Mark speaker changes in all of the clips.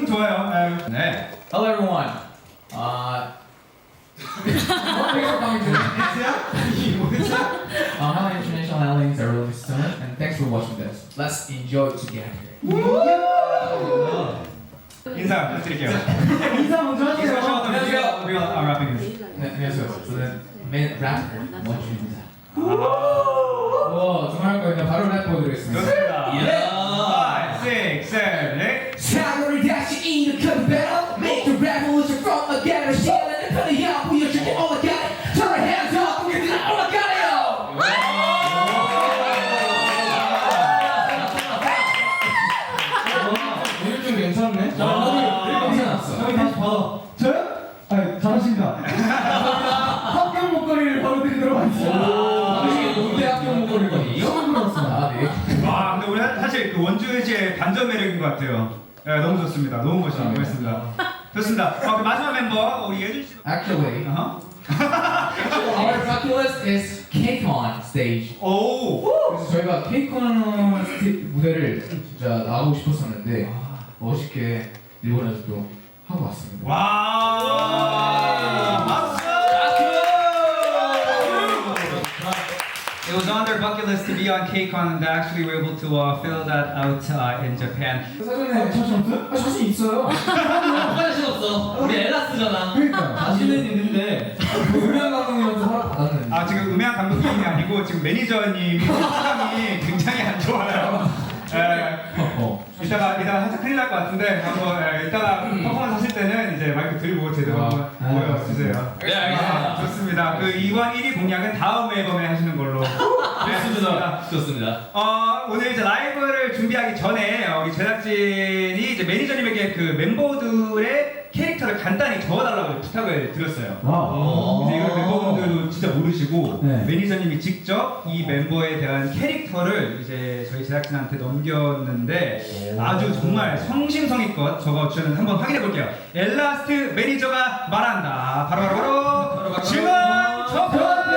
Speaker 1: 기분 좋아요. 네.
Speaker 2: Hello everyone. Thanks for coming to How International Aliens are released soon, and thanks for watching this. Let's enjoy together.
Speaker 1: 인사 부탁드릴게요.
Speaker 3: 인사 먼저 하세요.
Speaker 2: 안녕하세요.
Speaker 1: We are wrapping this.
Speaker 2: 네, 안녕하세요. 저는 메인 래퍼 원준입니다. 와, 정말 할 거예요. 바로 랩 보여드리겠습니다.
Speaker 1: 좋습니다.
Speaker 2: 예.
Speaker 1: 5, 6, 7, 8.
Speaker 4: 사고를 다시 일으켜 battle Make the revolution from the ghetto 시간을 편리하고 보여줄게 all I got it Turn your hands up 우리들은 all I got it
Speaker 2: 오늘 좀 괜찮네? 괜찮았어.
Speaker 3: 저희 다시 받아. 저요? 아니, 잘하십니다. 합격 목걸이를 바로 드리도록 하겠습니다.
Speaker 2: 당신이 농대 학교 목걸이거든요?
Speaker 3: 처음 들었습니다.
Speaker 2: 아, 네.
Speaker 1: 와, 근데 우리 사실 그 원주시의 반전 매력인 것 같아요. 네, 너무 좋습니다. 너무 멋있는 것 같습니다. 좋습니다. 그 마지막 멤버 우리 예준 씨.
Speaker 2: Actually,
Speaker 1: 어허.
Speaker 2: our vocalist is KCON stage.
Speaker 1: 오.
Speaker 2: 그래서 저희가 KCON 무대를 진짜 나가고 싶었었는데 멋있게 일본에서 또 하고 왔습니다.
Speaker 1: 와. 박수. It was on their bucket list to be on KCON, and they actually were able to fill that out in Japan.
Speaker 2: 사전에
Speaker 3: 자신 없어요?
Speaker 2: 아, 자신 있어요.
Speaker 5: 자신 없어. 우리 엘라스잖아.
Speaker 3: 그러니까요.
Speaker 2: 자신은 있는데 음향 감독님한테 허락 받았는데.
Speaker 1: 아, 지금 음향 감독님이 아니고 지금 매니저님이 표정이 굉장히 안 좋아요. 이따가 살짝 큰일 날 것 같은데 한번 이따가 퍼포먼스 하실 때는 이제 마이크 들고 제대로 한번 보여주세요.
Speaker 5: 네, 알겠습니다.
Speaker 1: 좋습니다. 그 이번 1위 공약은 다음 앨범에 하시는 걸로.
Speaker 5: 좋습니다. 좋습니다.
Speaker 1: 오늘 이제 라이브를 준비하기 전에 우리 제작진이 이제 매니저님에게 그 멤버들의 캐릭터를 간단히 적어달라고 부탁을 드렸어요.
Speaker 3: 와.
Speaker 1: 이제 이걸 멤버분들도 진짜 모르시고
Speaker 3: 네.
Speaker 1: 매니저님이 직접 이 멤버에 대한 캐릭터를 이제 저희 제작진한테 넘겼는데 아주 정말 성심성의껏 적어주셨는데 한번 확인해 볼게요. 엘라스트 매니저가 말한다. 바로 증언 접근!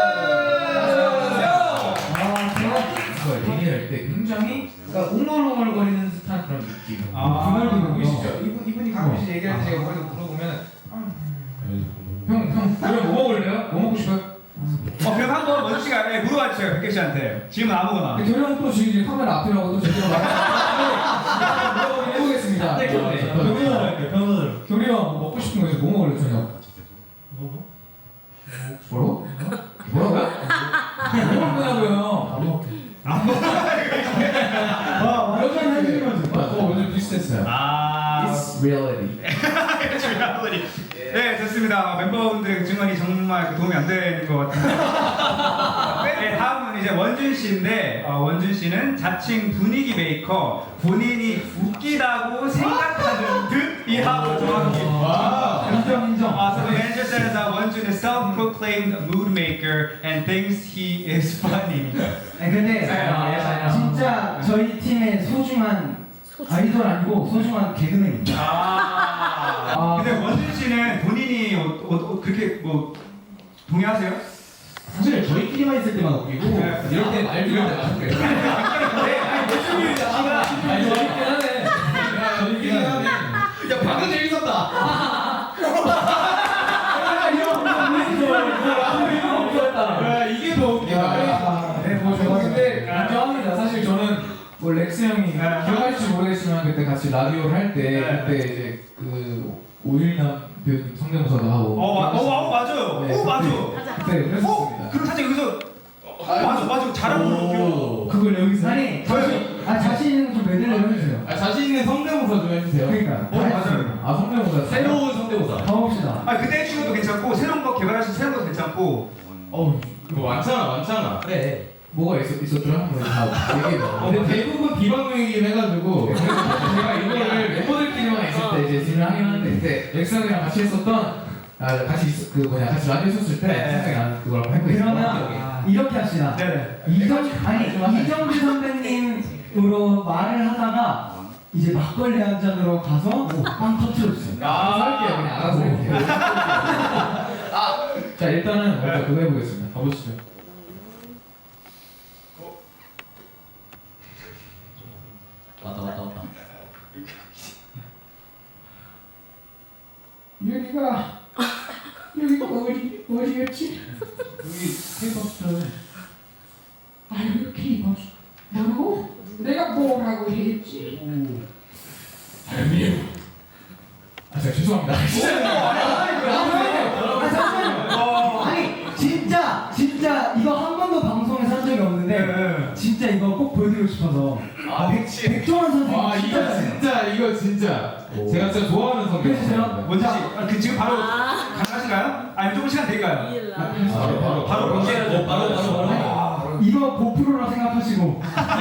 Speaker 2: 그걸 얘기할 때 굉장히 그러니까 웅얼웅얼거리는 듯한 그런 느낌.
Speaker 1: 아,
Speaker 2: 보이시죠? 이분이 가끔씩 얘기할 때 제가 머리도 물어보면 형 그럼 뭐 먹을래요? 뭐 먹고 싶어요?
Speaker 1: 그럼 한번 원주 씨가 물어봐 주세요. 백개 씨한테. 질문 아무거나.
Speaker 2: 결국은 또 지금 카메라 앞이라고 또 제대로 물어보긴 해보겠습니다.
Speaker 5: 네,
Speaker 3: 변호사로 할게요, 변호사로.
Speaker 2: 교리 형 먹고 싶은 거 이제 뭐 먹을래 저녁? 뭐라고? 뭐라고요? 뭐 먹냐고요?
Speaker 3: 여자는 해주는 거죠.
Speaker 2: 오늘 비슷했어요. It's reality.
Speaker 1: 네, 좋습니다. 멤버분들의 증언이 정말 도움이 안 되는 것 같은데. 네, 다음은 이제 원준 씨인데, 원준 씨는 자칭 분위기 메이커, 본인이 웃기다고 생각하는 듯이라고 정확히.
Speaker 3: 인정.
Speaker 1: So the manager says that 원준 is self-proclaimed mood maker and thinks he is funny.
Speaker 3: 아니, 근데 진짜 저희 팀의 소중한 아이돌 아니고 소중한 개그맨입니다.
Speaker 1: 근데 원준 씨는 본인이 그렇게 뭐 동의하세요?
Speaker 5: 사실 저희끼리만 있을 때만 웃기고
Speaker 1: 네.
Speaker 5: 이럴 때 말 들을 때만 웃겨요.
Speaker 2: 재밌긴 하네.
Speaker 5: 야 방금 재밌었다.
Speaker 2: 이게 더 웃기다. 네, 뭐 저 근데 인정합니다. 사실 저는 뭐 렉스 형이 기억할지 모르겠지만 그때 같이 라디오를 할 때 그때 이제 그 오일남 배우님 성대모사도 하고.
Speaker 1: 맞아요.
Speaker 2: 네,
Speaker 1: 맞아.
Speaker 2: 그때 그랬었습니다.
Speaker 1: 그럼 사실 여기서 맞아 잘하는 거 같아요.
Speaker 2: 그걸 여기서
Speaker 3: 아니, 자신 있는 좀 매들려 해주세요.
Speaker 5: 자신 있는 성대모사 좀 해주세요.
Speaker 3: 그러니까.
Speaker 1: 맞아요.
Speaker 2: 아 성대모사
Speaker 5: 새로운 성대모사.
Speaker 3: 가봅시다.
Speaker 1: 그때 해주는 것도 괜찮고 새로운 거 개발하신 새로운 것도 괜찮고.
Speaker 5: 그거 많잖아. 그래.
Speaker 2: 뭐가 있었더라? 한번 다 얘기해봐.
Speaker 5: 근데 대부분 비방용이긴 해가지고
Speaker 2: 그래서 제가 이거를 멤버들끼리만 있을 때 이제 진행을 하긴 하는데 그때 렉스 형이랑 같이 했었던 같이 라디오 했었을 때 생각이 나는 그걸 한번 해보겠습니다.
Speaker 3: 그러면 이렇게 합시다.
Speaker 1: 네네.
Speaker 3: 이정주 선배님으로 말을 하다가 이제 막걸리 한 잔으로 가서 빵 터트려주세요.
Speaker 2: 할게요. 그냥 알아서 해볼게요. 자 일단은 먼저 그거 해보겠습니다. 가보시죠.
Speaker 5: 왔다.
Speaker 4: 여기가 어디였지?
Speaker 2: 여기 케이팝
Speaker 4: 아유 케이팝 뭐라고? 내가 뭐라고 했지?
Speaker 2: 제가 죄송합니다.
Speaker 3: 아니 진짜 이거 한 번도 방송에서 한 적이 없는데 진짜 이거 꼭 보여드리고 싶어서 백종원 선생님
Speaker 5: 이거 진짜 제가 진짜 좋아하는 성격.
Speaker 3: 그래주세요.
Speaker 1: 뭔지 그 지금 바로 가능하신가요? 아니면 조금 시간 될까요? 바로 공개해야죠. 바로.
Speaker 3: 이거 고프로라 생각하시고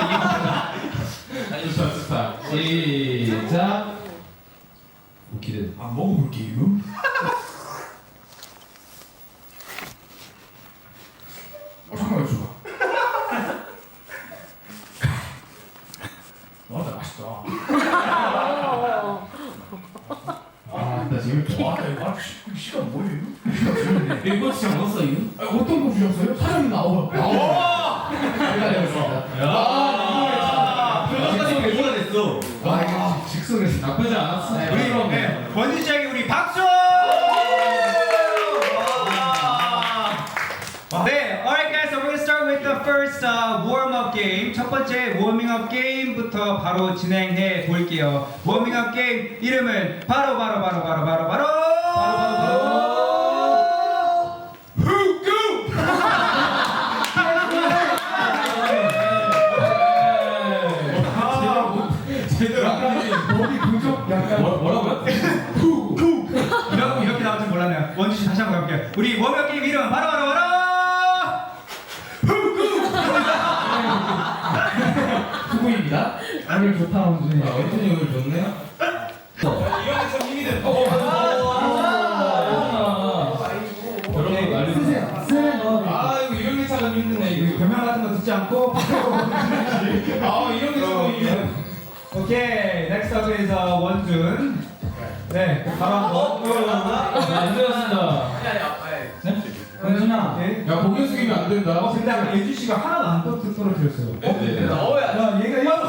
Speaker 5: 좋다. 시작.
Speaker 2: 기대. 안 먹어볼게요. 잠깐만 줘봐. 나 맛있다. 나 지금 이거 시간 뭐예요?
Speaker 5: 이거 진짜 먹었어 이거?
Speaker 2: 어떤 거 주셨어요? 사장님 나와.
Speaker 5: 표정까지 배우가 됐어.
Speaker 2: 이거 직선에서
Speaker 5: 나쁘지 않았어.
Speaker 1: 우리 원주 씨에게 우리 박수! 네, alright guys, so we're gonna start with the first warm-up game. 첫 번째 워밍업 게임부터 바로 진행해 볼게요. 워밍업 게임 이름은 바로
Speaker 3: 거기 부족 약간
Speaker 5: 뭐라고요?
Speaker 1: 이렇게 나올 줄 몰랐네요. 원주 씨 다시 한번 가볼게요. 우리 워밍업 게임 이름은 바로
Speaker 2: 수고입니다.
Speaker 3: 오늘 좋다 원준이.
Speaker 5: 원준이 오늘 좋네요. 이형이 참 힘이 돼. 여러분 난리
Speaker 3: 쓰세요.
Speaker 5: 아 이거 이런 게 참 힘드네 이거.
Speaker 1: 변명 같은 거 듣지 않고
Speaker 5: 아 이런 게 참 힘드네.
Speaker 1: 오케이, next up is 원준. 네, 바로 한번.
Speaker 2: 안 되었습니다.
Speaker 3: 원준아.
Speaker 1: 네.
Speaker 5: 야 고개 숙이면 안 된다.
Speaker 1: 근데 아까 예주 씨가 하나도 안 떨어뜨렸어요.
Speaker 5: 네.
Speaker 3: 야 얘가 이거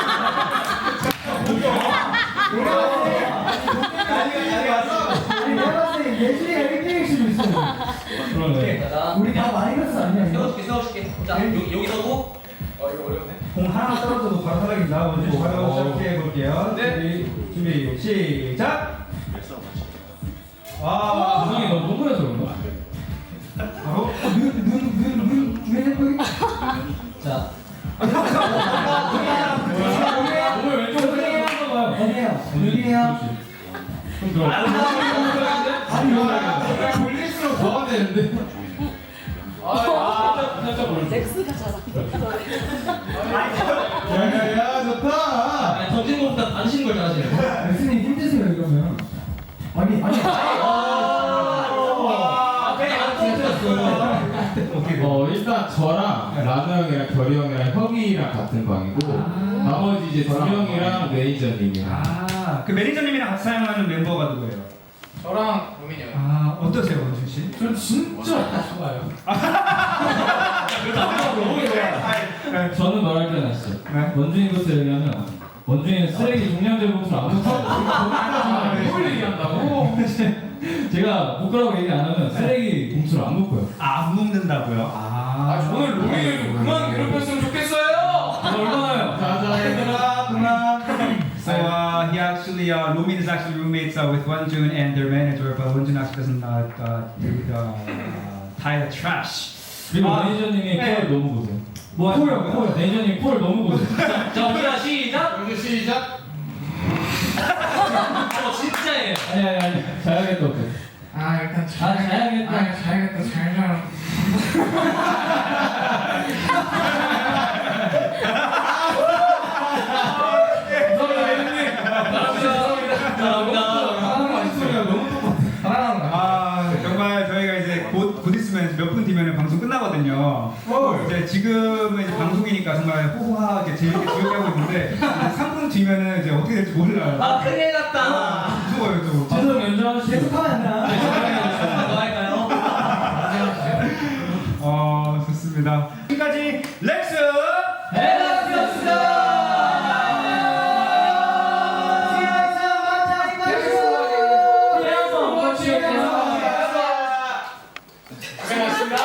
Speaker 3: 아니 내가 봤을 때 예준이가 1등일 수도 있어.
Speaker 2: 그러네.
Speaker 3: 우리 다 마이너스 아니야 이거?
Speaker 6: 세워줄게. 자, 여기 서고.
Speaker 1: 공 하나 떨어져도 바로 사라진다. 원준 씨 바로 시작해 볼게요. 네. 준비 시작. 아,
Speaker 2: 세상이 너무 동그래서 그런가?
Speaker 1: 바로.
Speaker 3: 눈 예쁘게.
Speaker 6: 자,
Speaker 2: 오늘 왼쪽
Speaker 3: 아니에요. 아니에요. 눈이에요.
Speaker 2: 좀 들어.
Speaker 3: 아니
Speaker 5: 돌릴수록 더가 되는데.
Speaker 2: 살짝 보여.
Speaker 6: 렉스가 잘하.
Speaker 5: 야야야 좋다.
Speaker 6: 던진 것보다 던지는 걸 잘하시네.
Speaker 3: 레슨이 힘드세요 이러면. 아니.
Speaker 5: 일단 저랑 라노 형이랑 결이 형이랑 혁이랑 같은 방이고 나머지 이제 두 명이랑 매니저님이랑.
Speaker 1: 아, 그 매니저님이랑 같이 사용하는 멤버가 누구예요?
Speaker 2: 저랑 고민이 형.
Speaker 1: 아, 어떠세요, 원준 씨?
Speaker 2: 전 진짜 좋아요.
Speaker 7: 저는 말할 때 났어.
Speaker 1: 네.
Speaker 7: 원준이부터 얘기하면 원준이는 쓰레기 종량제부터 안 묶어.
Speaker 2: 뭘 얘기한다고?
Speaker 7: 제가 묶으라고 얘기 안 하면 쓰레기 봉투를 안 묶어요.
Speaker 1: 아, 안 먹는다고요? 아,
Speaker 2: 오늘 로미를 좀 그만 괴롭혔으면 좋겠어요.
Speaker 7: 얼마나요?
Speaker 5: 자자 얘들아 그만.
Speaker 1: So he actually, Lumin is actually roommates with Wonjun and their manager, but Wonjun actually doesn't tie the trash.
Speaker 7: 그리고
Speaker 1: 아,
Speaker 7: 매니저님이
Speaker 1: 네.
Speaker 7: 콜 너무 보세요.
Speaker 1: 뭐
Speaker 7: 콜 매니저님 콜 너무 보세요.
Speaker 6: 자, 우리가 시작.
Speaker 5: 이제 시작.
Speaker 6: 진짜예요.
Speaker 7: 아니 자야겠다 어때?
Speaker 2: 일단
Speaker 7: 자야겠다.
Speaker 2: 자야겠다 잘 자라.
Speaker 1: 아, 정말 저희가 이제 곧 있으면 몇 분 뒤면 방송 끝나거든요. 이제 지금은 이제 방송이니까 정말 호호하게 재밌게 즐겁게 하고 있는데 이제 3분 뒤면은 이제 어떻게 될지 몰라요.
Speaker 6: 아, 큰일 났다.
Speaker 1: 무서워요, 또.
Speaker 7: 방송 연주하시죠.
Speaker 3: 계속하면 안 되나?
Speaker 6: 뭐 할까요?
Speaker 1: 좋습니다. 지금까지 렉스!
Speaker 2: 고생하셨습니다.